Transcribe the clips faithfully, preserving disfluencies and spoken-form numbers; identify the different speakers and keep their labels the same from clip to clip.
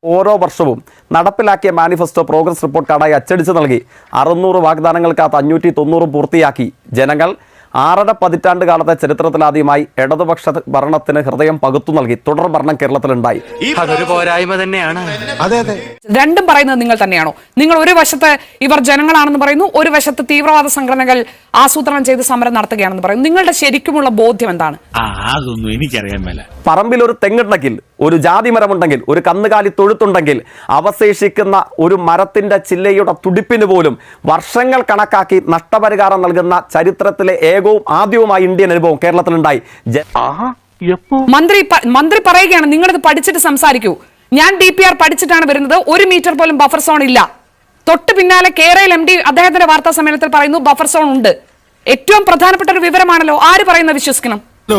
Speaker 1: ഓരോ വർഷവും നടപ്പിലാക്കിയ മാനിഫെസ്റ്റോ പ്രോഗ്രസ് റിപ്പോർട്ട് കാർഡായി അച്ചടിച്ച് നൽകി അറുന്നൂറ് വാഗ്ദാനങ്ങൾക്കകത്ത് അഞ്ഞൂറ്റി തൊണ്ണൂറും പൂർത്തിയാക്കി ജനങ്ങൾ ആറര പതിറ്റാണ്ട് കാലത്തെ ചരിത്രത്തിലാദ്യമായി ഇടതുപക്ഷ ഭരണത്തിന് ഹൃദയം പകുത്തു നൽകി. തുടർ ഭരണം കേരളത്തിലുണ്ടായി.
Speaker 2: അതൊരു പോരായ്മ തന്നെയാണ്.
Speaker 3: അതെ അതെ
Speaker 4: രണ്ടും പറയുന്നത് നിങ്ങൾ തന്നെയാണോ? നിങ്ങൾ ഒരു വശത്ത് ഇവർ ജനങ്ങളാണെന്ന് പറയുന്നു, ഒരു വശത്ത് തീവ്രവാദ സംഘടനകൾ ആസൂത്രണം ചെയ്ത് സമരം നടത്തുകയാണെന്ന് പറയുന്നു. നിങ്ങളുടെ ശരിക്കുമുള്ള ബോധ്യം എന്താണ്?
Speaker 5: അതൊന്നും എനിക്കറിയാൻ മേല.
Speaker 1: പറമ്പിൽ ഒരു തെങ്ങുണ്ടെങ്കിൽ, ഒരു ജാതി മരമുണ്ടെങ്കിൽ, ഒരു കന്നുകാലി തൊഴുത്തുണ്ടെങ്കിൽ അവശേഷിക്കുന്ന ഒരു മരത്തിന്റെ ചില്ലയുടെ തുടിപ്പിന് പോലും വർഷങ്ങൾ കണക്കാക്കി നഷ്ടപരിഹാരം നൽകുന്ന ചരിത്രത്തിലെ ഏകവും ആദ്യവുമായി ഇന്ത്യൻ അനുഭവം കേരളത്തിലുണ്ടായി.
Speaker 4: മന്ത്രി മന്ത്രി പറയുകയാണ് നിങ്ങളിത് പഠിച്ചിട്ട് സംസാരിക്കൂ. ഞാൻ ഡി പി ആർ പഠിച്ചിട്ടാണ് വരുന്നത്. ഒരു മീറ്റർ പോലും ബഫർ സോൺ ഇല്ല. തൊട്ട് പിന്നാലെ കേരള എം ഡി അദ്ദേഹത്തിന്റെ വാർത്താ സമ്മേളനത്തിൽ പറയുന്നു ബഫർ സോൺ ഉണ്ട്. ഏറ്റവും പ്രധാനപ്പെട്ട ഒരു വിവരമാണല്ലോ. ആര് പറയുന്നത് വിശ്വസിക്കണം?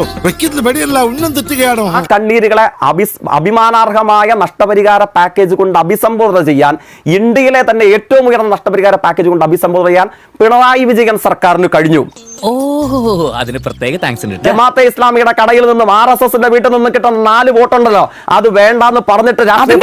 Speaker 1: ആ കണ്ണീരുകളെ അഭിമാനാർഹമായ നഷ്ടപരിഹാര പാക്കേജ് കൊണ്ട് അഭിസംബോധന ചെയ്യാൻ, ഇന്ത്യയിലെ തന്നെ ഏറ്റവും ഉയർന്ന നഷ്ടപരിഹാര പാക്കേജ് കൊണ്ട് അഭിസംബോധന ചെയ്യാൻ പിണറായി വിജയൻ സർക്കാരിന് കഴിഞ്ഞു.
Speaker 2: അതിന് പ്രത്യേക താങ്ക്സ്.
Speaker 1: ജമാഅത്തെ ഇസ്ലാമിയുടെ കടയിൽ നിന്നും ആർ എസ് എസിന്റെ വീട്ടിൽ നിന്നും കിട്ടുന്ന നാല് വോട്ടുണ്ടല്ലോ, അത് വേണ്ടാന്ന് പറഞ്ഞിട്ട്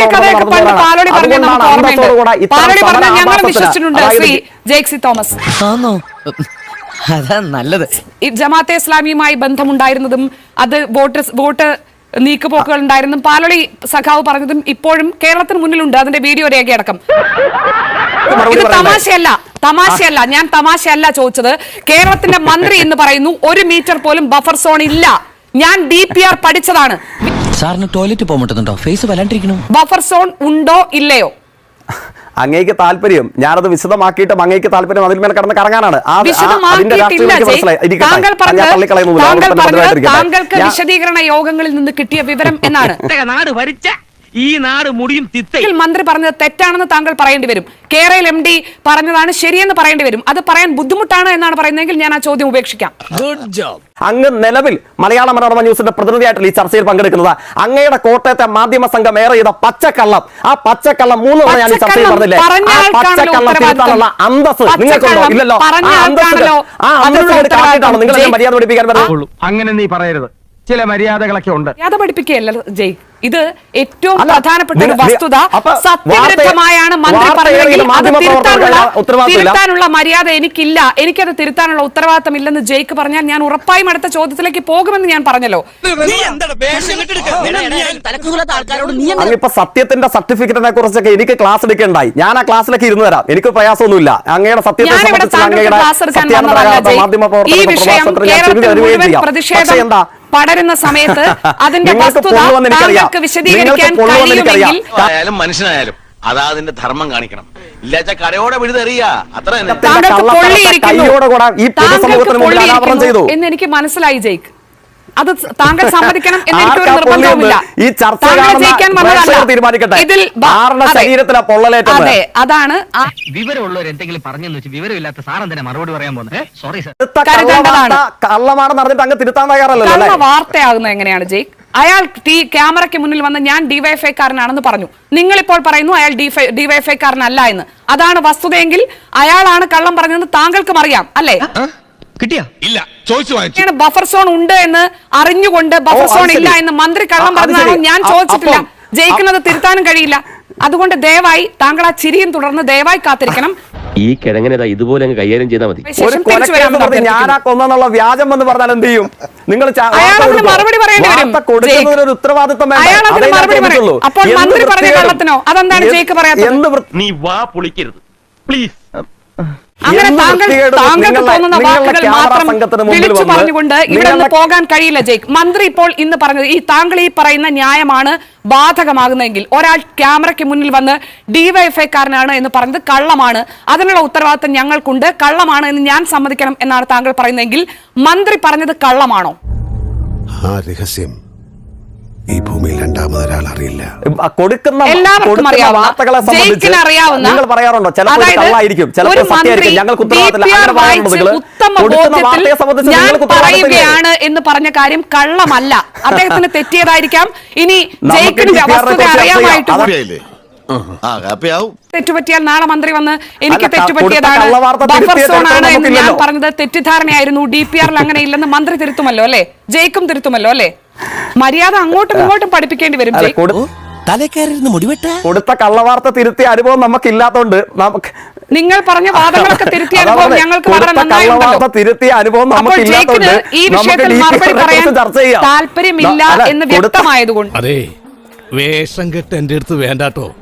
Speaker 2: അതാ നല്ലത്.
Speaker 4: ഈ ജമാഅത്തെ ഇസ്ലാമിയുമായി ബന്ധമുണ്ടായിരുന്നതും അത് വോട്ട് വോട്ട് നീക്കുപോക്കുകൾ ഉണ്ടായിരുന്നതും പാലോളി സഖാവ് പറഞ്ഞതും ഇപ്പോഴും കേരളത്തിന് മുന്നിലുണ്ട്. അതിന്റെ വീഡിയോ രേഖയടക്കം. ഇത് തമാശയല്ല, തമാശയല്ല. ഞാൻ തമാശയല്ല ചോദിച്ചത്. കേരളത്തിന്റെ മന്ത്രി എന്ന് പറയുന്നു ഒരു മീറ്റർ പോലും ബഫർ സോൺ ഇല്ല. ഞാൻ ഡി പി ആർ പഠിച്ചതാണ്.
Speaker 2: സാറിന് ടോയ്ലറ്റ് പോകുന്നുണ്ടോ? ഫേസ് വല്ലാണ്ടിരിക്കണു.
Speaker 4: ബഫർ സോൺ ഉണ്ടോ ഇല്ലയോ?
Speaker 1: അങ്ങേക്ക് താല്പര്യം, ഞാനത് വിശദമാക്കിയിട്ട് അങ്ങേക്ക് താല്പര്യം അതിൽ മേലെ കടന്ന് കറങ്ങാനാണ്.
Speaker 4: താങ്കൾക്ക് വിശദീകരണ യോഗങ്ങളിൽ നിന്ന് കിട്ടിയ വിവരം എന്നാണ്.
Speaker 2: നാട് ഭരിച്ച ഈ നാട് മുടിയും തിത്തയിൽ
Speaker 4: മന്ത്രി പറഞ്ഞത് തെറ്റാണെന്ന് താങ്കൾ പറയേണ്ടി വരും. കേരള എം ഡി പറഞ്ഞതാണ് ശരിയെന്ന് പറയേണ്ടി വരും. അത് പറയാൻ ബുദ്ധിമുട്ടാണ് എന്നാണ് പറയുന്നതെങ്കിൽ ഞാൻ ആ ചോദ്യം ഉപേക്ഷിക്കാം.
Speaker 2: Good job.
Speaker 1: അങ്ങ് നിലവിൽ മലയാള മനോരമ ന്യൂസിന്റെ പ്രതിനിധിയായിട്ടല്ല ഈ ചർച്ചയിൽ പങ്കെടുക്കുന്നത്. അങ്ങയുടെ കോട്ടയത്തെ മാധ്യമ സംഘം ഏറെ ചെയ്ത പച്ചക്കള്ളം, ആ പച്ചക്കള്ളം മൂന്ന് തവണ ഞാൻ ഈ ചർച്ചയിൽ പറഞ്ഞില്ലേ, ആ പച്ചക്കള്ളം തിരുത്താനുള്ള അന്തസ് നിങ്ങൾക്കുണ്ടോ? ഇല്ലല്ലോ. ആ അന്തസ് കാട്ടിട്ടാണ് നിങ്ങൾ മര്യാദ പഠിപ്പിക്കാൻ പറ്റുള്ളൂ.
Speaker 6: അങ്ങനെ നീ പറയരുത്. ചില മര്യാദകളൊക്കെ ഉണ്ട്.
Speaker 4: മര്യാദ പഠിപ്പിക്കുകയല്ല ജയ്. ഇത് ഏറ്റവും പ്രധാനപ്പെട്ട ഒരു വസ്തുത. സത്യവിരുദ്ധമായാണ് മന്ത്രി പറഞ്ഞതെങ്കിൽ അത് തിരുത്താനുള്ള തിരുത്താനുള്ള മര്യാദ എനിക്കില്ല, എനിക്കത് തിരുത്താനുള്ള ഉത്തരവാദിത്തം ഇല്ലെന്ന് ജയ്ക്ക് പറഞ്ഞാൽ ഞാൻ ഉറപ്പായും അടുത്ത ചോദ്യത്തിലേക്ക് പോകുമെന്ന് ഞാൻ പറഞ്ഞല്ലോ.
Speaker 1: അങ്ങിപ്പോ സത്യത്തിന്റെ സർട്ടിഫിക്കറ്റിനെ കുറിച്ചൊക്കെ എനിക്ക് ക്ലാസ് എടുക്കേണ്ടായി. ഞാൻ ആ ക്ലാസ്സിലേക്ക് ഇരുന്ന് തരാം, എനിക്ക് പ്രയാസമൊന്നുമില്ല. അങ്ങയുടെ സത്യത്തെ എന്താ
Speaker 4: പടരുന്ന സമയത്ത് അതിന്റെ വസ്തുത താങ്കൾക്ക് വിശദീകരിക്കാൻ കഴിയുമെങ്കിൽ
Speaker 5: മനുഷ്യനായാലും അതാ അതിന്റെ ധർമ്മം കാണിക്കണം. ഇല്ലാച്ച കരയോടെ വിഴുതെറിയ അത്ര
Speaker 4: എന്ന് എനിക്ക് മനസ്സിലായി ജയ്ക്ക്. അത് താങ്കൾ സമ്മതിക്കണം എന്ന് എനിക്കൊരു നിർബന്ധവുമില്ല. അതെ, അതാണ്
Speaker 2: വിവരമുള്ളവർ എന്തെങ്കിലും പറഞ്ഞെന്ന് വെച്ച് വിവരമില്ലാത്ത സാറൻ തന്നെ മറുപടി പറയാൻ പോകുന്നത്. Sorry sir.
Speaker 4: കള്ള വാർത്തയാകുന്നത് എങ്ങനെയാണ് ജയ്? അയാൾ ഈ ക്യാമറയ്ക്ക് മുന്നിൽ വന്ന് ഞാൻ ഡിവൈഎഫ്ഐക്കാരനാണെന്ന് പറഞ്ഞു. നിങ്ങളിപ്പോൾ പറയുന്നു അയാൾ ഡിവൈഎഫ്ഐക്കാരനല്ല എന്ന്. അതാണ് വസ്തുതയെങ്കിൽ അയാളാണ് കള്ളം പറഞ്ഞതെന്ന് താങ്കൾക്കും അറിയാം അല്ലേ?
Speaker 5: കിട്ടിയാ ഇല്ല ചോദിച്ചു.
Speaker 4: ബഫർ സോൺ ഉണ്ട് എന്ന് അറിഞ്ഞുകൊണ്ട് ബഫർ സോൺ ഇല്ല എന്ന് മന്ത്രി കള്ളം പറഞ്ഞതാണോ? ഞാൻ ചോദിച്ചിട്ടില്ല. ജയിക്കുന്നത് തിരുത്താനും കഴിയില്ല. അതുകൊണ്ട് ദയവായി താങ്കൾ ആ ചിരിയും തുടർന്ന് ദയവായി കാത്തിരിക്കണം.
Speaker 7: ഈ കിഴങ്ങനെ ഇതുപോലെ കൈകാര്യം ചെയ്താൽ മതി.
Speaker 1: ഞാനാ കൊന്നുള്ള വ്യാജം എന്ന് പറഞ്ഞാൽ എന്ത് ചെയ്യും? നിങ്ങൾ
Speaker 4: മറുപടി പറയേണ്ടി വരും.
Speaker 1: ഉത്തരവാദിത്വം
Speaker 4: അപ്പോൾ മന്ത്രി പറഞ്ഞ കള്ളത്തിനോ അതെന്താണ് ജയിക്ക് പറയാത്തത്?
Speaker 5: നീ വാ പൊളിക്കരുത് പ്ലീസ്.
Speaker 4: അങ്ങനെ താങ്കൾ താങ്കൾക്ക് തോന്നുന്ന വാക്കുകൾ മാത്രം വിളിച്ചു പറഞ്ഞുകൊണ്ട് ഇവിടെ നിന്ന് പോകാൻ കഴിയില്ല ജയ്ക്ക്. മന്ത്രി ഇപ്പോൾ ഇന്ന് പറഞ്ഞത് ഈ താങ്കൾ ഈ പറയുന്ന ന്യായമാണ് ബാധകമാകുന്നതെങ്കിൽ ഒരാൾ ക്യാമറയ്ക്ക് മുന്നിൽ വന്ന് ഡിവൈഎഫ്ഐക്കാരനാണ് എന്ന് പറഞ്ഞത് കള്ളമാണ്, അതിനുള്ള ഉത്തരവാദിത്തം ഞങ്ങൾക്കുണ്ട്, കള്ളമാണ് എന്ന് ഞാൻ സമ്മതിക്കണം എന്നാണ് താങ്കൾ പറയുന്നതെങ്കിൽ മന്ത്രി പറഞ്ഞത് കള്ളമാണോ?
Speaker 3: ആ രഹസ്യം ഈ ഭൂമിയിൽ രണ്ടാമതൊരാൾ അറിയില്ല.
Speaker 1: കൊടുക്കുന്ന
Speaker 4: എല്ലാവർക്കും
Speaker 1: വാർത്തകളെ സംബന്ധിച്ച് നിങ്ങൾ പറയാറുണ്ടോ ചിലപ്പോൾ കള്ളായിരിക്കും, ചിലപ്പോൾ സത്യമായിരിക്കും, ഞങ്ങൾക്ക്
Speaker 4: പറയുകയാണ് എന്ന് പറഞ്ഞ കാര്യം കള്ളമല്ല. അദ്ദേഹത്തിന് തെറ്റിയതായിരിക്കാം. ഇനി ജയിക്കിന് വസ്തുത അറിയാമായിട്ട് തെറ്റുപറ്റിയാൽ നാളെ മന്ത്രി വന്ന് എനിക്ക് തെറ്റുപറ്റിയതാണ് ബഫർ സോൺ ആണ് എന്ന് ഞാൻ പറഞ്ഞത് തെറ്റിദ്ധാരണയായിരുന്നു, ഡി പി ആറിൽ അങ്ങനെ ഇല്ലെന്ന് മന്ത്രി തിരുത്തുമല്ലോ അല്ലെ? ജയിക്കും തിരുത്തുമല്ലോ അല്ലെ? മര്യാദ അങ്ങോട്ടും ഇങ്ങോട്ടും പഠിപ്പിക്കേണ്ടി വരും.
Speaker 3: തലക്കയറിയിരുന്ന് മുടിവെട്ട
Speaker 1: കൊടുത്ത കള്ളവാർത്ത തിരുത്തിയ അനുഭവം നമുക്കില്ലാത്തോണ്ട് നമുക്ക്
Speaker 4: നിങ്ങൾ പറഞ്ഞ വാദങ്ങളൊക്കെ തിരുത്തിയ അനുഭവം ഞങ്ങൾക്ക് വളരെ
Speaker 1: കൊടുത്ത
Speaker 4: നന്നായിട്ടുണ്ടല്ലോ.
Speaker 1: കള്ളവാർത്ത തിരുത്തിയ അനുഭവം
Speaker 4: അപ്പോൾ
Speaker 1: നമുക്കില്ലാത്തോണ്ട്
Speaker 4: ജയിക്കിന് ഈ
Speaker 1: നമുക്ക്
Speaker 4: വിഷയത്തിൽ
Speaker 1: ഡി പി
Speaker 4: മറുപടി
Speaker 1: ആറിനെ
Speaker 4: പറയാൻ
Speaker 1: കുറിച്ച് ചർച്ച ചെയ്യാം.
Speaker 4: താല്പര്യമില്ല
Speaker 1: അല്ല,
Speaker 4: എന്ന്
Speaker 1: കൊടുത്ത-
Speaker 4: വ്യക്തമായതുകൊണ്ട്
Speaker 3: അതെ വേഷം കെട്ട് എന്റെ അടുത്ത് വേണ്ടാട്ടോ.